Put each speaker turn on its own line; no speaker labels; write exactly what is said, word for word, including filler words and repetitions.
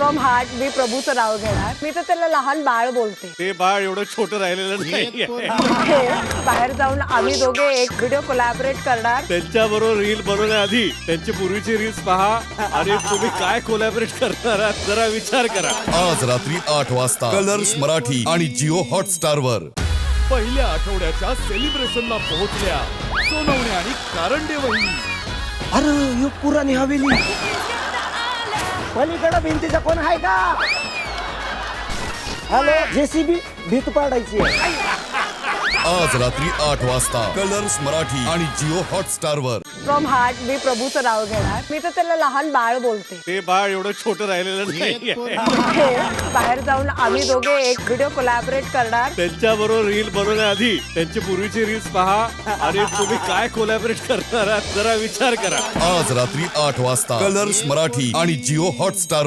From heart मी प्रभूचं नाव घेणार. मी तर त्याला लहान बाळ बोलते.
ते बाळ एवढं छोटं राहिलेलं नाही.
बाहेर जाऊन आम्ही दोघे एक व्हिडिओ कोलॅबरेट करणार.
त्यांच्या बरोबर रील बनवण्याआधी त्यांची पूर्वीची रील्स पहा आणि तुम्ही काय कोलॅबरेट करणार आहात जरा विचार करा.
आज रात्री आठ वाजता कलर्स मराठी आणि जिओ हॉटस्टार वर.
पहिल्या आठवड्याच्या सेलिब्रेशनला पोहोचल्या सोनवणे आणि कारंडे वहिनी.
अरे यो पुराणी हवेली पलीकडे भिंतीचा कोण आहे का? हॅलो जेसीबी भीत पाडायची आहे.
आज रात्री आठ वाजता कलर्स मराठी आणि जिओ हॉटस्टार वर.
फ्रॉम हार्ट मी प्रभूचं नाव घेणार. मी तर त्याला लहान बाळ बोलते.
ते बाळ एवढं छोटं राहिलेलं नाही.
बाहेर जाऊन आम्ही दोघे एक व्हिडिओ कोलॅबरेट करणार.
त्यांच्या बरोबर रील बनवण्याआधी त्यांची पूर्वीची रील्स पहा आणि तुम्ही काय कोलॅबरेट करणार आहात जरा विचार करा.
आज रात्री आठ वाजता कलर्स मराठी आणि जिओ हॉटस्टार